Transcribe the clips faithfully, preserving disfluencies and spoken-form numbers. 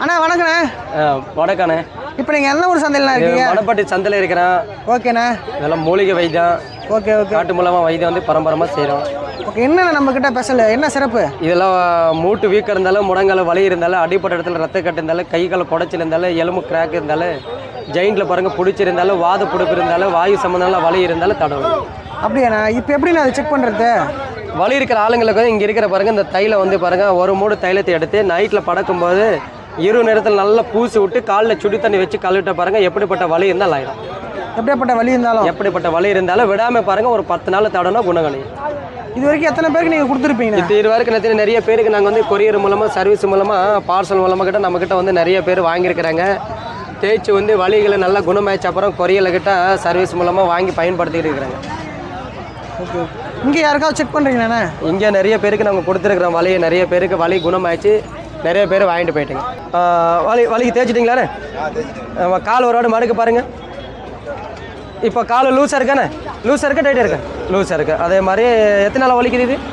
அண்ணா வணக்கண்ணே. வணக்கண்ணே. இப்போ நீங்கள் எந்த ஊர் சந்தையில் இருக்கீங்க? மணப்பட்டி சந்தையில் இருக்கிறேன். ஓகேண்ணா. இதெல்லாம் மூலிகை வைத்தியம். Okay okay. காட்டு மூலமாக வைத்தியம் வந்து பரம்பரமாக செய்கிறோம். ஓகே. என்னென்ன நம்மக்கிட்ட ஸ்பெஷல் என்ன சிறப்பு? இதெல்லாம் மூட்டு வீக்கம் இருந்தாலும், முடங்கால வலி இருந்தாலும், அடிப்பட்ட இடத்துல ரத்த கட்டு இருந்தாலும், கை கால குடைச்சல் இருந்தாலும், எலும்பு கிராக் இருந்தாலும், ஜெயிண்டில் பாருங்கள் பிடிச்சிருந்தாலும், வாத பிடிப்பு இருந்தாலும், வாயு சம்மந்தம் வலி இருந்தாலும் தடவணும். அப்படியாண்ணா? இப்போ எப்படி நான் அதை செக் பண்ணுறது? வலி இருக்கிற ஆளுங்களுக்கு இங்கே இருக்கிற பாருங்கள், இந்த தைலம் வந்து பாருங்கள், ஒரு மூடு தைலத்தை எடுத்து நைட்டில் படக்கும்போது இரு நேரத்தில் நல்லா பூசி விட்டு காலில் சுடி தண்ணி வச்சு கழுவிட்ட பாருங்கள், எப்படிப்பட்ட வலி இருந்தாலும் ஆயிடும். எப்படிப்பட்ட வலி இருந்தாலும் எப்படிப்பட்ட வலி இருந்தாலும் விடாமல் பாருங்கள், ஒரு பத்து நாள் தடனா குணங்களையும். இது வரைக்கும் எத்தனை பேருக்கு நீங்கள் கொடுத்துருப்பீங்க? இது இது வரைக்கும் நிறைய நிறைய பேருக்கு நாங்கள் வந்து கொரியர் மூலமாக, சர்வீஸ் மூலமாக, பார்சல் மூலமாக கிட்ட நம்மக்கிட்ட வந்து நிறைய பேர் வாங்கியிருக்கிறாங்க. தேய்ச்சி வந்து வலிகளை நல்லா குணமாயிடுச்சு அப்புறம் கொரியரில் கிட்ட சர்வீஸ் மூலமாக வாங்கி பயன்படுத்திக்கிட்டு இருக்கிறாங்க. ஓகே. இங்கே யாருக்காவது செக் பண்ணுறீங்கண்ணா? இங்கே நிறைய பேருக்கு நாங்கள் கொடுத்துருக்குறோம் வலியை. நிறைய பேருக்கு வலி குணமாயிடுச்சு, நிறைய பேர் வாங்கிட்டு போயிட்டுங்க. வலி வலிக்கு தேய்ச்சிட்டிங்களாண்ணே? கால் ஒரு வாடு மடுக்க பாருங்கள். இப்போ கால் லூஸாக இருக்காண்ணே? லூஸாக இருக்கா டைட்டாக இருக்கா? லூஸாக இருக்குது. அதே மாதிரி எத்தனை நாள் வலிக்குது இது?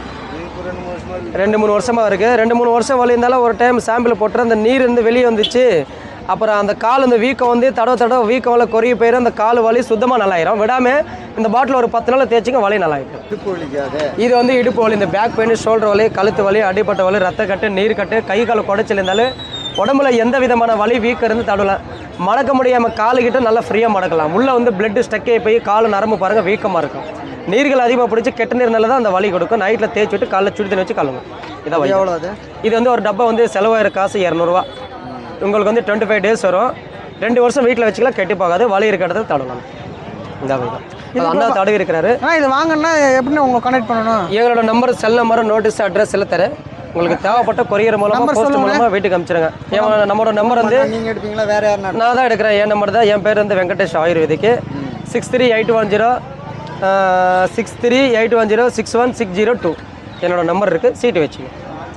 ரெண்டு மூணு வருஷமாக இருக்குது. ரெண்டு மூணு வருஷம் வலி இருந்தாலும் ஒரு டைம் சாம்பிள் போட்டுற அந்த நீர் இருந்து வெளியே வந்துச்சு. அப்புறம் அந்த கால் அந்த வீக்கம் வந்து தடவை தடவை வீக்கம்ல குறைய போயிடும். அந்த கால் வலி சுத்தமாக நல்லாயிரும். விடாமல் இந்த பாட்டில் ஒரு பத்து நாள் தேய்ச்சிங்க, வலி நல்லாயிடும். இது வந்து இடுப்பு வலி, இந்த பேக் பெயின், ஷோல்டர் வலி, கழுத்து வலி, அடிப்பட்ட வலி, ரத்த கட்டு, நீர் கட்டு, கை கால் குடைச்சல் இருந்தாலும் உடம்புல எந்த விதமான வலி வீக்கம் இருந்து தடவலாம். மடக்க முடியாமல் காலுக்கிட்ட நல்லா ஃப்ரீயாக மடக்கலாம். உள்ளே வந்து பிளட்டு ஸ்டக்கே போய் கால் நரம்பு பாருங்கள் வீக்கமாக இருக்கும். நீர்கள் அதிகமாக பிடிச்சி கெட்ட நீர்னால தான் அந்த வலி கொடுக்கும். நைட்டில் தேய்ச்சி விட்டு காலைல சுடி தண்ணி வச்சு கழுவுங்க. இதான் எவ்வளோ? இது வந்து ஒரு டப்பா வந்து செலவாயிரம் காசு இரநூறுவா. உங்களுக்கு வந்து டுவெண்ட்டி ஃபைவ் டேஸ் வரும். ரெண்டு வருஷம் வீட்டில் வச்சுக்கலாம், கெட்டி போகாது. வலி இருக்கிற இடத்துல தடவலாம். இந்த தான் இது அண்ணா தடவி இருக்கிறாரு. இது வாங்கினா எப்படின்னு உங்களை கனெக்ட் பண்ணணும்? எங்களோட number, cell number, notice, address எல்லாம் தரேன். உங்களுக்கு தேவைப்பட்ட கொரியர் மூலமாக, போஸ்ட் மூலமாக வீட்டுக்கு அனுப்பிச்சிருங்க. என் நம்மளோட நம்பர் வந்து நீங்கள் எடுப்பீங்களா வேறு யாருன்னா? நான் தான் எடுக்கிறேன். என் நம்பர் தான். என் பேர் வந்து வெங்கடேஷ் ஆயுர்வேதிக்கு. Six three eight one zero six three eight one zero six one six zero two என்னோடய நம்பர் இருக்குது. சீட்டு வச்சுங்க,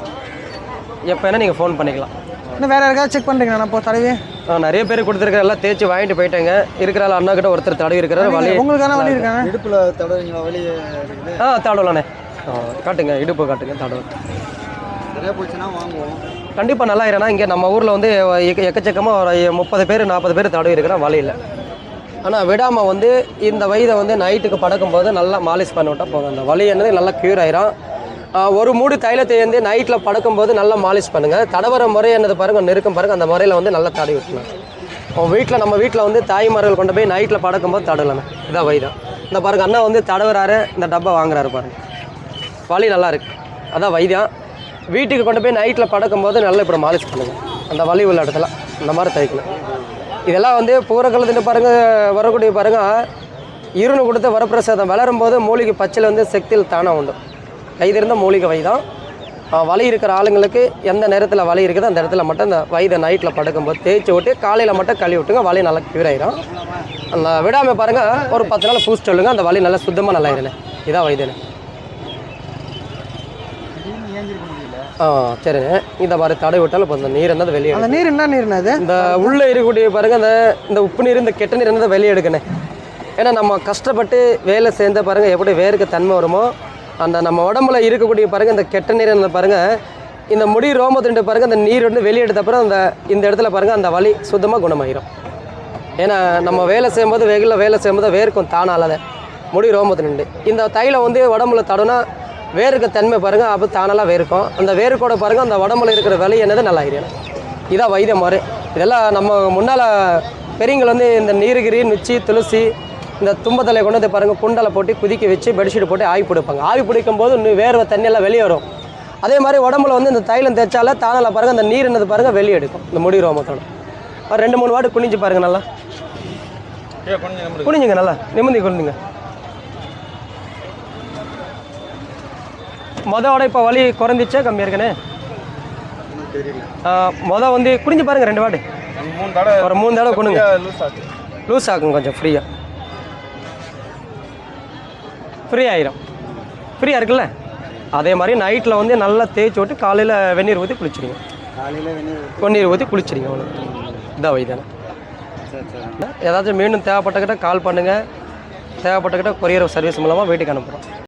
எப்போ வேணால் நீங்கள் ஃபோன் பண்ணிக்கலாம். இன்னும் வேறு யாருக்காவது செக் பண்ணுறீங்களா? இப்போ தடவி நிறைய பேர் கொடுத்துருக்கிற எல்லாம் தேய்ச்சி வாங்கிட்டு போயிட்டாங்க. இருக்கிறால அண்ணா கிட்ட ஒருத்தர் தடவி இருக்கிறாரு. வலி உங்களுக்கான வலி இருக்காங்க? இடுப்பில் தடவைங்களா? வலி ஆ தடவலாண்ணே. காட்டுங்க, இடுப்பு காட்டுங்க, தடவை. நிறையா போச்சுன்னா வாங்குவோம். கண்டிப்பாக நல்லா இருனா. இங்கே நம்ம ஊரில் வந்து எக்க எக்கச்சக்கமாக ஒரு முப்பது பேர் நாற்பது பேர் தடவி இருக்கிறோம், வலியில். ஆனால் விடாமல் வந்து இந்த வயதை வந்து நைட்டுக்கு படக்கும்போது நல்லா மாலிஷ் பண்ணி விட்டால் போதும். அந்த வலி என்னது நல்லா க்யூர் ஆயிரும். ஒரு மூடு தைலத்தை வந்து நைட்டில் படுக்கும்போது நல்லா மாலிஷ் பண்ணுங்கள். தடவர முறை என்னது பாருங்கள், நெருக்கம் பாருங்கள். அந்த முறையில் வந்து நல்லா தடவி விட்டுலாம். உங்கள் வீட்டில் நம்ம வீட்டில் வந்து தாய்மார்கள் கொண்டு போய் நைட்டில் படக்கும்போது தடவலாண்ணே. இதான் வைதான். இந்த பாருங்கள், அண்ணா வந்து தடவுறாரு, இந்த டப்பா வாங்குறாரு பாருங்கள். வலி நல்லா இருக்குது. அதான் வைத்தியம். வீட்டுக்கு கொண்டு போய் நைட்டில் படக்கும்போது நல்லா இப்படி மாலிஷ் பண்ணுங்கள். அந்த வலி உள்ள இடத்துல இந்த மாதிரி தைக்கணும். இதெல்லாம் வந்து பூரக்கலத்துட்டு பாருங்கள், வரக்கூடிய பாருங்கள், இருன்னு கொடுத்து வரப்பிரசாதம் வளரும்போது மூலிகை பச்சையில் வந்து சக்தியில் தானாக உண்டு. கைதிருந்த மூலிகை வைதான். வலி இருக்கிற ஆளுங்களுக்கு எந்த நேரத்தில் வலி இருக்குதோ அந்த இடத்துல மட்டும் இந்த வயதை நைட்டில் படுக்கும்போது தேய்ச்சி விட்டு காலையில் மட்டும் கழுவி விட்டுங்க, வலி நல்லா க்யூர் ஆயிரும். அந்த விடாமல் பாருங்கள், ஒரு பத்து நாள் பூஸ்ட் சொல்லுங்கள், அந்த வலி நல்லா சுத்தமாக நல்லா ஆயிருண்ணே. இதான் வைத்தியண்ணே. ஆ சரிண்ணே. இந்த மாதிரி தடை விட்டாலும் இப்போ இந்த நீர் இருந்தது வெளியே. அந்த நீர் என்ன நீர்னா? அது இந்த உள்ளே இருக்கக்கூடிய பாருங்கள், அந்த இந்த உப்பு நீர், இந்த கெட்ட நீர் இருந்ததை வெளியே எடுக்கணும். ஏன்னா நம்ம கஷ்டப்பட்டு வேலை சேர்ந்த பாருங்கள் எப்படி வேருக்கு தன்மை வருமோ, அந்த நம்ம உடம்புல இருக்கக்கூடிய பாருங்கள் இந்த கெட்ட நீர் இருந்த பாருங்கள், இந்த முடி ரோமத்துட்டு பாருங்கள், அந்த நீர் வந்து வெளியே எடுத்த அப்புறம் அந்த இந்த இடத்துல பாருங்கள் அந்த வலி சுத்தமாக குணமாயிரும். ஏன்னா நம்ம வேலை செய்யும்போது வெயிலில் வேலை செய்யும்போது வேர்க்கும் தானால முடி ரோமத்து நின்று இந்த தைலம் வந்து உடம்புல தடவுனா வேருக்கு தன்மை பாருங்கள், அப்போ தானெல்லாம் வேர்க்கும். அந்த வேர்க்கோட பாருங்கள் அந்த உடம்புல இருக்கிற வலி என்னது நல்லா ஆயிரும். இதான் வைத்திய முறை. இதெல்லாம் நம்ம முன்னால் பெரியவங்க வந்து இந்த நீலகிரி, நுச்சி, துளசி, இந்த தும்பத்தலை கொண்டு வந்து பாருங்கள் குண்டலை போட்டு குதிக்க வச்சு பெட்ஷீட் போட்டு ஆவி பிடிப்பாங்க. ஆவி பிடிக்கும் போது இன்னும் வேர்வை தண்ணியெல்லாம் வெளியே வரும். அதே மாதிரி உடம்புல வந்து இந்த தைலம் தேய்ச்சால தானால பாருங்கள் அந்த நீர் என்னது பாருங்கள் வெளியே எடுக்கும். இந்த முடி ரோமத்தோட ஒரு ரெண்டு மூணு வாட்டு குனிஞ்சு பாருங்கள், நல்லா குனிஞ்சுங்க, நல்லா நிமிந்தி குனிஞ்சுங்க. மொதோட இப்போ வலி குறைஞ்சிச்சா கம்மியாக இருக்குண்ணே? மொதல் வந்து குனிஞ்சு பாருங்கள், ரெண்டு வாட்டு ஒரு மூணு தடவை குனிங்க, லூஸ் ஆகும், கொஞ்சம் ஃப்ரீயாக ஃப்ரீ ஆயிரும். ஃப்ரீயாக இருக்குல்ல? அதே மாதிரி நைட்டில் வந்து நல்லா தேய்ச்சி விட்டு காலையில் வெந்நீர் ஊற்றி குளிச்சிடுங்க. காலையில் வெந்நீர் வெந்நீர் ஊற்றி குளிச்சிடுங்க. அவ்வளோ இதான் வைத்தானே. ஏதாச்சும் மீண்டும் தேவைப்பட்டக்கிட்ட கால் பண்ணுங்கள். தேவைப்பட்டக்கிட்ட கொரியர் சர்வீஸ் மூலமாக வீட்டுக்கு அனுப்புகிறோம்.